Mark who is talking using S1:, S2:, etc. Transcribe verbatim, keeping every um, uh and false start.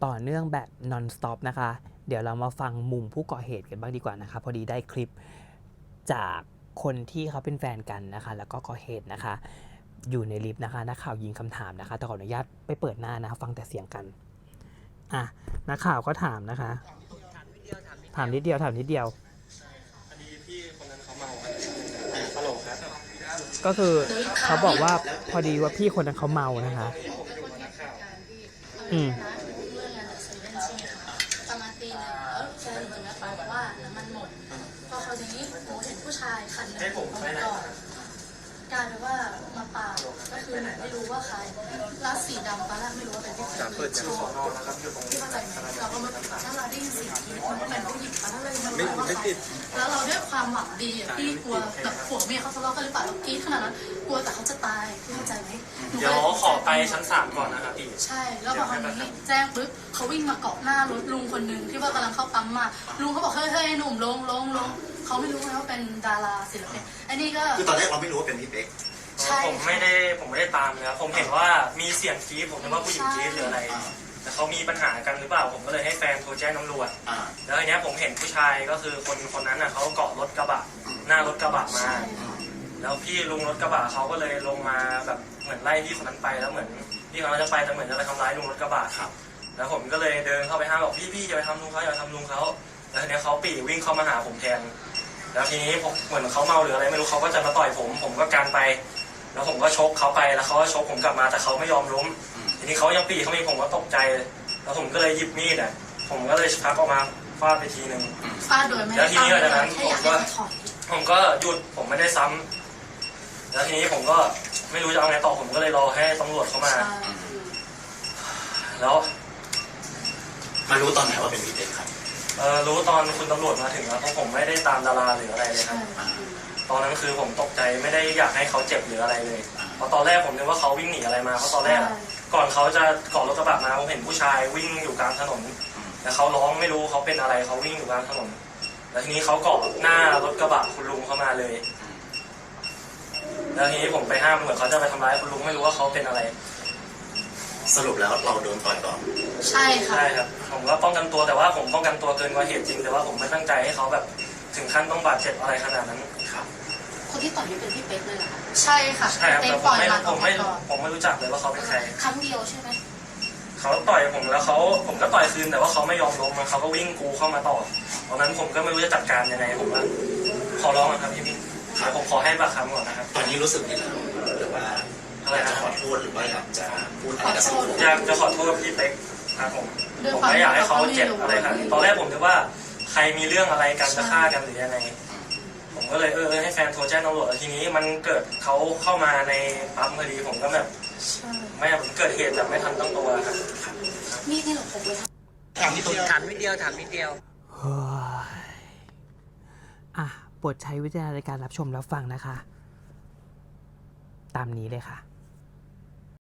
S1: ต่อเนื่องแบบ non stop นะคะเดี๋ยวเรามาฟังมุมผู้ก่อเหตุกันบ้างดีกว่านะคะพอดีได้คลิปจากคนที่เขาเป็นแฟนกันนะคะแล้วก็ก่อเหตุนะคะอยู่ในลิฟต์นะคะนักข่าวยิงคำถามนะคะแต่ขออนุญาตไปเปิดหน้านะฟังแต่เสียงกันอ่ะนักข่าวก็ถามนะคะถามนิดเดียวถามนิดเดียว
S2: พอดีพี่คนนั้นเขาเมาฮัลโหลครับ
S1: ก็คือเขาบอกว่าพอดีว่าพี่คนนั้นเขาเมานะคะอืม
S3: ประมาณตีหนึ่งแล้วแฟนหนูเนี่ยบอกว่าน้ำมันหมดพอคราวนี้หนูเห็นผู้ชายคันหนึ่งเขาไปก่อนกลายเป็นว่ามาปาดก็คือหนูไม่รู้ว่าใครลาสีดำตอนแรกไม่รู้ว่าเป็นที่ใครเปิดชื่อสอนอนะครับอยู่ตรงนี้เข้าใจไหมเราก็มาถ้าเราได้ยินเสียงทีมันก็เป็นผู้หญิงแล้วเลยมันไม่ไม่ติดแล้วเราด้วยความหวังดีอ่ะพี่กลัวแบบผัวเมียเขาทะเลาะกันหรือเปล่าเรากรี๊ดขนาดนั้นกลัวแต่เขาจะตายพี่เข้าใจไหม
S2: เดี๋ยวขอไปชั้นสามก่อนนะครับพี่
S3: ใช่แล้วพอคราวนี้แจ้งปุ๊บเขาวิ่งมาเกาะหน้ารถลุงคนหนึ่งที่ว่ากำลังเข้าปั๊มมาลุงเขาบอกเฮ้ยเฮ้ยหนุ่มลงลงลงเขาไม่รู้ไงว่าเป็นดาราศิลปินไอ้นี่ก็
S4: คือตอนแรกเราไม่รู้ว่าเป็นพี่เป๊ก
S2: ผมไม่ได้ผมไม่ได้ตามเลยผมเห็นว่ามีเสียงกรี๊ดผมนึกว่าผู้หญิงกรี๊ดหรืออะไรแต่เขามีปัญหากันหรือเปล่าผมก็เลยให้แฟนโทรแจ้งตำรวจแล้วทีนี้ผมเห็นผู้ชายก็คือคนคนนั้นน่ะเขาเกาะรถกระบะหน้ารถกระบะมาแล้วพี่ลุงรถกระบะเขาก็เลยลงมาแบบเหมือนไล่พี่คนนั้นไปแล้วเหมือนพี่คนนั้นจะไปแต่เหมือนจะไปทำร้ายลุงรถกระบะครับแล้วผมก็เลยเดินเข้าไปห้ามบอกพี่พี่อย่าไปทำลุงเขาอย่าไปทำลุงเขาแล้วทีนี้เขาปี่วิ่งเข้ามาหาผมแทนแล้วทีนี้ผมเหมือนเขาเมาหรืออะไรไม่รู้เขาก็จะมาต่อยผมผมก็การไปแล้วผมก็ชกเขาไปแล้วเขาก็ชกผมกลับมาแต่เขาไม่ยอมล้มทีนี้เขายังปี่เขามีผมก็ตกใจแล้วผมก็เลยหยิบมีดอ่ะผมก็เลยชักออกมาฟาดไปทีนึง
S3: ฟาดโดยไม่
S2: แล้วทีนี้หลังจากนั้นผมก็ผมก็หยุดผมไม่ได้ซ้ำแล้วทีนี้ผมก็ไม่รู้จะเอาไงต่อผมก็เลยรอให้ตำรวจเข้ามาแล้ว
S4: มารู้ตอนไหนว่าเป็นพี่เป๊กครับ
S2: เออรู้ตอนคุณตำรวจมาถึงแล้วเพราะผมไม่ได้ตามดาราหรืออะไรเลยครับตอนนั้นคือผมตกใจไม่ได้อยากให้เขาเจ็บหรืออะไรเลยเพราะตอนแรกผมนึกว่าเขาวิ่งหนีอะไรมาเพราะตอนแรกก่อนเขาจะเกาะรถกระบะมาผมเห็นผู้ชายวิ่งอยู่กลางถนนแล้วเขาร้องไม่รู้เขาเป็นอะไรเขาวิ่งอยู่กลางถนนแล้วทีนี้เขาเกาะหน้ารถกระบะคุณลุงเข้ามาเลยแล้วทีนี้ผมไปห้ามเหมือนเขาจะไปทำร้ายคุณลุงไม่รู้ว่าเขาเป็นอะไร
S4: สรุปแล้วเราโดนต่อยก่อน
S3: ใช่ค่ะ
S2: ใช่ครับผมก็ป้องกันตัวแต่ว่าผมป้องกันตัวเกินกว่าเหตุจริงแต่ว่าผมไม่ตั้งใจให้เขาแบบถึงขั้นต้องบาดเจ็บอะไรขนาดนั้นครับ
S3: คนที่ต่อยนี่เป็นพี่เป๊กเลยเหรอคะใช่ค่ะ
S2: ใช่ครับแต่ผมไม่ผมไม่ผมไม่รู้จักเลยว่าเขาเป็นใคร
S3: ครั้งเดียวใช่ไหม
S2: เขาต่อยผมแล้วเขาผมก็ต่อยคืนแต่ว่าเขาไม่ยอมล้มเขาก็วิ่งกูเข้ามาต่อตอนนั้นผมก็ไม่รู้จะจัดการยังไงผมว่าขอร้องนะครับพี่พี่ผมขอให้ปากคำก่อนนะครับ
S4: ตอนนี้รู้สึกยังไงหรือว่าอยากจะขอโทษหรือว่าอยากจะพูดอะไรกับสังคม
S2: อยากจะขอโทษพี่เป๊กครับผมผมไม่อยากให้เขาเจ็บอะไรครับตอนแรกผมนึกว่าใครมีเรื่องอะไรกันจะฆ่ากันหรือยังไงผมก็เลยเออให้แฟนโทรแจ้งตำรวจแล้วทีนี้มันเกิดเขาเข้ามาในปั๊มพอดีผมก็แบบไม่ผมเกิดเหตุแบบไม่ทันตั้งตัวครับ
S3: นี่นี่หรอผมเลย
S5: ถามนิดเดียวถามนิดเดียวถามนิดเดียว
S1: อ่ะโปรดใช้วิจารณญาณในการรับชมรับฟังนะคะตามนี้เลยค่ะ